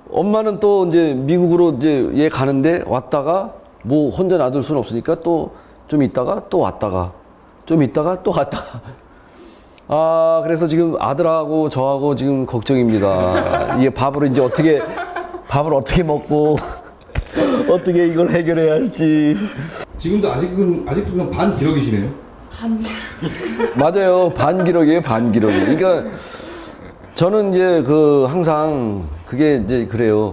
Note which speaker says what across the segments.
Speaker 1: 엄마는 또 이제 미국으로 이제 얘 가는데 왔다가 뭐 혼자 놔둘 수는 없으니까 또 좀 있다가 또 왔다가 좀 있다가 또 갔다가. 아, 그래서 지금 아들하고 저하고 지금 걱정입니다. 이게 밥을 어떻게 먹고 어떻게 이걸 해결해야 할지.
Speaker 2: 지금도 아직도 그냥 반 기러기시네요.
Speaker 1: 맞아요. 반기록이에요, 반기록. 그러니까 저는 이제 항상 그게 이제 그래요.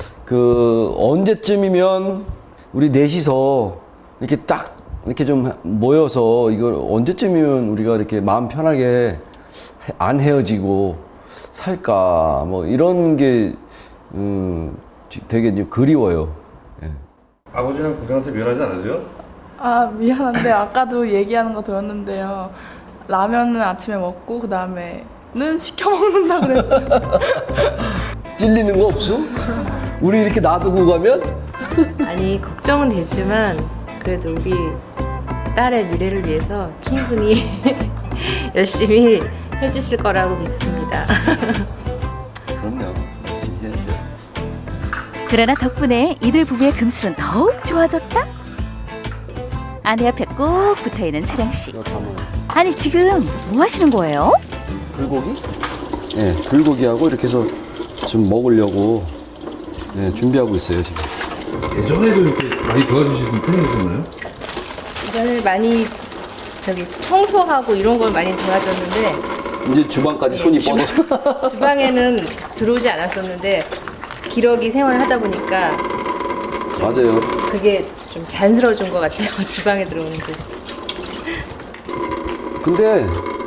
Speaker 1: 언제쯤이면 우리 넷이서 이렇게 딱 이렇게 좀 모여서 이걸 언제쯤이면 우리가 이렇게 마음 편하게 안 헤어지고 살까 뭐 이런 게 되게 이제 그리워요. 예.
Speaker 3: 아버지랑 고생한테 미안하지 않으세요?
Speaker 4: 아, 미안한데 아까도 얘기하는 거 들었는데요. 라면은 아침에 먹고 그 다음에는 시켜 먹는다 그랬어요.
Speaker 1: 찔리는 거 없어? 우리 이렇게 놔두고 가면?
Speaker 5: 아니 걱정은 되지만 그래도 우리 딸의 미래를 위해서 충분히 열심히 해주실 거라고 믿습니다.
Speaker 1: 그럼요. 열심히 해야죠.
Speaker 6: 그러나 덕분에 이들 부부의 금슬은 더욱 좋아졌다. 아내 옆에 꼭 붙어있는 차량 씨.
Speaker 1: 이거 다 먹어.
Speaker 6: 아니 지금 뭐 하시는 거예요?
Speaker 1: 불고기? 네, 불고기하고 이렇게 해서 좀 먹으려고 네, 준비하고 있어요, 지금.
Speaker 2: 예전에도 이렇게 많이 도와주시는 편이셨나요?
Speaker 5: 이전에 많이 청소하고 이런 걸 많이 도와줬는데
Speaker 1: 이제 주방까지 손이 뻗어서.
Speaker 5: 주방에는 들어오지 않았었는데 기러기 생활을 하다 보니까
Speaker 1: 맞아요.
Speaker 5: 그게 좀 자연스러워진 것 같아요. 주방에 들어오는 게.
Speaker 1: 근데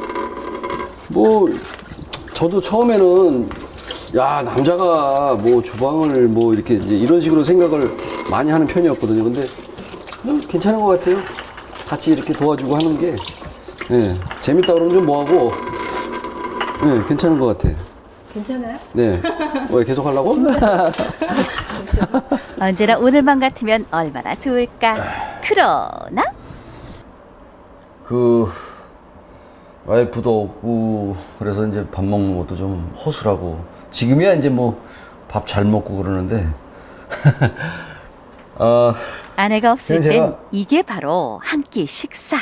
Speaker 1: 뭐 저도 처음에는 야, 남자가 뭐 주방을 뭐 이렇게 이제 이런 식으로 생각을 많이 하는 편이었거든요. 근데 괜찮은 것 같아요. 같이 이렇게 도와주고 하는 게 예, 재밌다 그러면 좀 뭐하고 예, 괜찮은 것 같아.
Speaker 5: 괜찮아요?
Speaker 1: 네. 왜 계속 하려고?
Speaker 6: 언제나 오늘만 같으면 얼마나 좋을까. 그러나
Speaker 1: 와이프도 없고 그래서 이제 밥 먹는 것도 좀 허술하고 지금이야 이제 뭐 밥 잘 먹고 그러는데
Speaker 6: 아내가 없을
Speaker 1: 제가-
Speaker 6: 땐 이게 바로 한 끼 식사.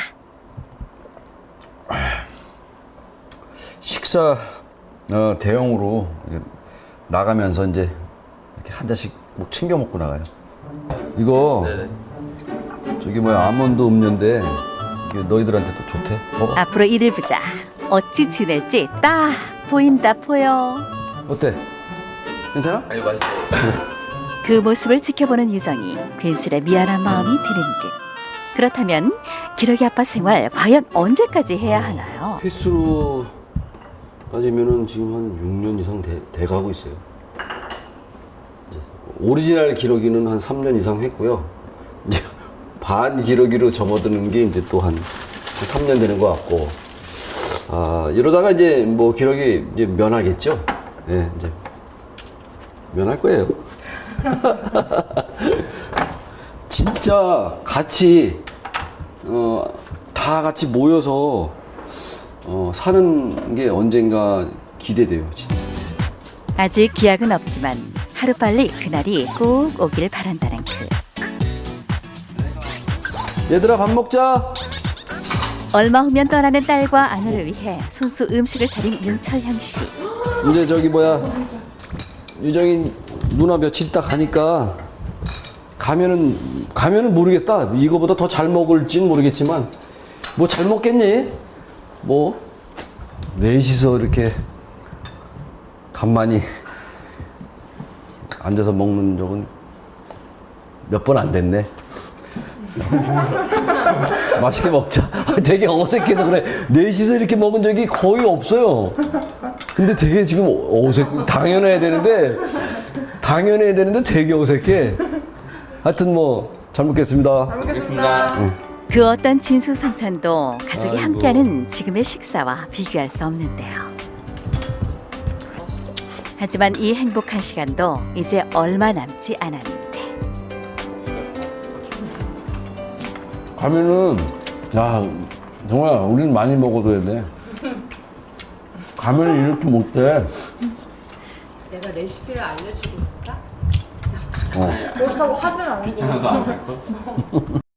Speaker 1: 식사 대용으로 이렇게 나가면서 이제 이렇게 한 잔씩 뭐 챙겨 먹고 나가요. 이거 저기 뭐야 아몬드 음료인데 이게 너희들한테도 좋대. 먹어.
Speaker 6: 앞으로 이들 부자 어찌 지낼지 딱 보인다 보여.
Speaker 1: 어때? 괜찮아?
Speaker 3: 아니 맛있어.
Speaker 6: 그 모습을 지켜보는 유정이 괜스레 미안한 마음이 드는 듯. 그렇다면 기러기 아빠 생활 과연 언제까지 해야 하나요?
Speaker 1: 횟수로 따지면은 지금 한 6년 이상 돼가고 있어요. 이제 오리지널 기러기는 한 3년 이상 했고요. 이제 반 기러기로 접어드는 게 이제 또 한 3년 되는 것 같고, 이러다가 이제 뭐 기러기 이제 면하겠죠. 예, 이제 면할 거예요. 진짜 같이 다 같이 모여서 사는 게 언젠가 기대돼요, 진짜.
Speaker 6: 아직 기약은 없지만 하루빨리 그날이 꼭 오길 바란다는 그.
Speaker 1: 얘들아 밥 먹자.
Speaker 6: 얼마 후면 떠나는 딸과 아내를 위해 손수 음식을 차린 윤철향 씨.
Speaker 1: 이제 저기 뭐야 유정이 누나 며칠 있다 가니까 가면은 모르겠다. 이거보다 더 잘 먹을진 모르겠지만 뭐 잘 먹겠니? 뭐 넷이서 이렇게 간만히 앉아서 먹는 적은 몇 번 안 됐네. 맛있게 먹자. 되게 어색해서 그래. 넷이서 이렇게 먹은 적이 거의 없어요. 근데 되게 지금 당연해야 되는데 되게 어색해. 하여튼 뭐 잘 먹겠습니다.
Speaker 4: 잘 먹겠습니다.
Speaker 6: 그 어떤 진수성찬도 가족이
Speaker 1: 아이고.
Speaker 6: 함께하는 지금의 식사와 비교할 수 없는데요. 하지만 이 행복한 시간도 이제 얼마 남지 않았는데
Speaker 1: 가면은 야 정말 우리는 많이 먹어둬야 돼. 가면은 이렇게 못돼.
Speaker 5: 내가 레시피를 알려주고 있을까?
Speaker 4: 그렇다고 하진 않고.